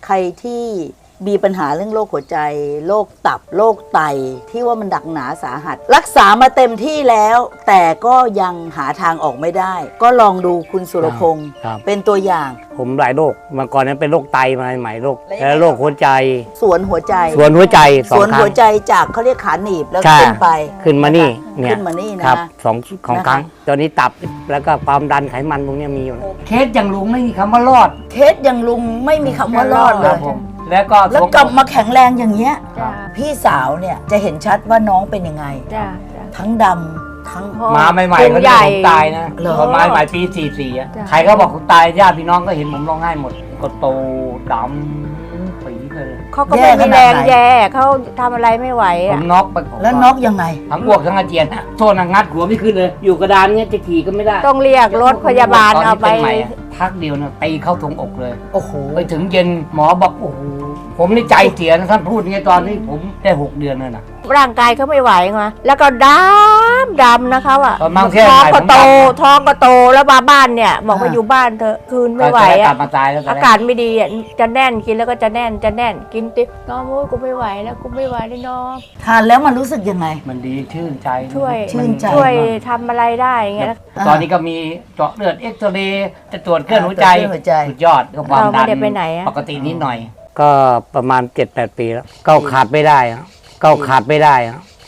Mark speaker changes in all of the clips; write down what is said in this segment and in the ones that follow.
Speaker 1: ใครที่มีปัญหาเรื่องโรคหัวใจโรคตับโรคไตที่ว่ามันดักหนาสาหัสรักษามาเต็มที่แล้ว แต่ก็ยังหาทางออกไม่ได้ ก็ลองดูคุณสุรพงศ์เป็นตัวอย่าง
Speaker 2: ผมหลายโรคมาก่อนนั้นเป็นโรคไตมาใหม่โรคแล้วโรคหัวใจ
Speaker 1: สวนหัวใจ
Speaker 2: สวนหัวใจ
Speaker 1: สวนหัวใจจากเขาเรียกขาหนีบแล้วขึ้นไป
Speaker 2: ขึ้นมานี่เนี่ย
Speaker 1: ขึ้นมานี่นะครับ
Speaker 2: ของครั้งตอนนี้ตับแล้วก็ความดันไขมันพวกนี้มีอยู่เคสอย่างลุงไม่มีคำว่ารอด
Speaker 1: เคสอย่างลุงไม่มีคำว่ารอดเลย
Speaker 2: แล้ว
Speaker 1: กลับมาแข็งแรงอย่างเงี้ยพี่สาวเนี่ยจะเห็นชัดว่าน้องเป็นยังไงทั้งดำทั้ง
Speaker 2: มาใหม่ๆเขาเรียกผมตายนะตอนมาใหม่ปี44อะใครก็บอกผมตายญาติพี่น้องก็เห็นผมร้องไห้หมดก็โตดำปีเลย
Speaker 3: เขาก็ไม่มีแรงแย่เขาทำอะไรไม่ไหว
Speaker 2: ผมน็อกไป
Speaker 1: แล้วน็อกยังไง
Speaker 2: ทั้งอ้วกทั้งอาเจียนโทษนะงัดหัวไม่ขึ้นเลยอยู่กระดานเงี้ยจะขี่ก็ไม่ได้
Speaker 3: ต้องเรียกรถพยาบาลเอาไป
Speaker 2: พักเดียวนะตีเข้าทงอกเลย
Speaker 1: โอ้โห
Speaker 2: ไปถึงเย็นหมอบอกโอ้โหผมนี่ใจเสียนะท่านพูดไงตอนที่ผมได้6 เดือนนั่นนะ
Speaker 3: ร่างกายเขาไม่ไหวไงแล้วก็ดำนะคะว่ะ
Speaker 2: ท้
Speaker 3: องก็โตแล้วมาบ้านเนี่ยบอกว่าอยู่บ้านเธอคืนไม่ไหวอ่ะอากาศไม่ดีอ่ะจะแน่นกินแล้วก็จะแน่นกินติ๊บน้องโอ้ยกูไม่ไหวแล้วกูไม่ไหวเลยน้อง
Speaker 1: ทานแล้วมันรู้สึกยังไง
Speaker 2: มันดีชื่นใจ
Speaker 3: ช่วยทำอะไรได้เงี้ย
Speaker 2: ตอนนี้ก็มีเจาะเลือดเอ็กซเรย์จะตรวจเครื่องหัวใจสุดยอดก็ความดันปกตินิดหน่อยก็ประมาณ 7-8 ปีแล้วก้าวขาดไม่ได้ก้าวขาดไม่ได้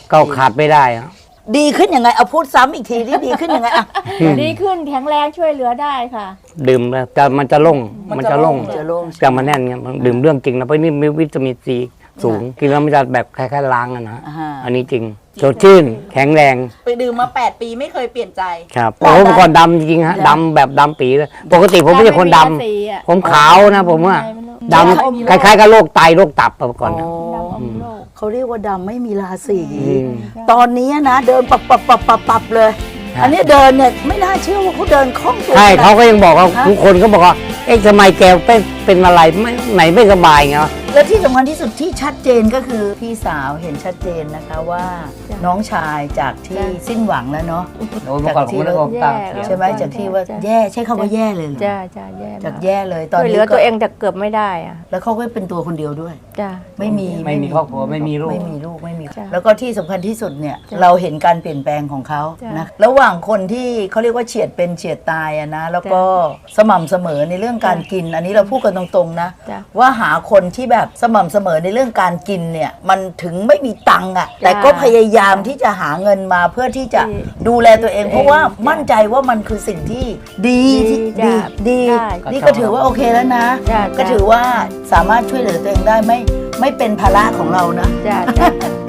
Speaker 1: ดีขึ้นยังไงเอาพูดซ้ำอีกทีที่ดีขึ้นยังไงอ่ะ
Speaker 3: ดีขึ้นแข็งแรงช่วยเหลือได้ค่ะ
Speaker 2: ดื่มแล้วมันจะล่งจะมาแน่นเงี้ยดื่มเรื่องจริงนะเพราะนี่มีวิตามินซีสูงกินแล้วมันจะแบบคล้ายๆล้างนะอันนี้จริงสดชื่นแข็งแรง
Speaker 4: ไปดื่มมา8 ปีไม่เคยเปลี่ยนใจ
Speaker 2: ครับโอ้เมื่อก่อนดำจริงฮะดำแบบดำปีเลยปกติผมไม่ใช่คนดำผมขาวนะผมว่าดำคล้ายๆกับโรคไตโรคตับมาก่อน
Speaker 1: เขาเรียกว่าดำไม่มีราศีตอนนี้นะเดินปับเลยอันนี้เดินเนี่ยไม่น่าเชื่อว่าเขาเดินคล่องตัว
Speaker 2: ใช่เขาก็ยังบอกว่าทุกคนก็บอกว่าเอ๊ะทำไมแกเป็นอะไรไหนไม่สบายเงี้ย
Speaker 1: และที่สำคัญที่สุดที่ชัดเจนก็คือพี่สาวเห็นชัดเจนนะคะว่าน้องชายจากที่สิ้นหวังแล้วเนาะ
Speaker 2: จากที่
Speaker 1: ใช่ไหมจากที่ว่าแย่ใช้คำว่าแย่เลย
Speaker 3: จ้าแย่
Speaker 1: จากแย่เลยตอนนี้
Speaker 3: เหลือตัวเองแต่เกือบไม่ได้อะ
Speaker 1: แล้วเขาก็เป็นตัวคนเดียวด้วย
Speaker 3: จ้า
Speaker 1: ไม่มี
Speaker 2: ครอบครัวไม่มีลูก
Speaker 1: แล้วก็ที่สำคัญที่สุดเนี่ยเราเห็นการเปลี่ยนแปลงของเขานะระหว่างคนที่เขาเรียกว่าเฉียดเป็นเฉียดตายอะนะแล้วก็สม่ำเสมอในเรื่องการกินอันนี้เราพูดกันตรงๆนะว่าหาคนที่แบบสม่ำเสมอในเรื่องการกินเนี่ยมันถึงไม่มีตังค์อ่ะแต่ก็พยายามที่จะหาเงินมาเพื่อที่จะดูแลตัวเองเพราะว่ามั่นใจว่ามันคือสิ่งที่ดีนี่ก็ถือว่าโอเคแล้วนะก็ถือว่าสามารถช่วยเหลือตัวเองได้ไม่เป็นภาระของเรานะ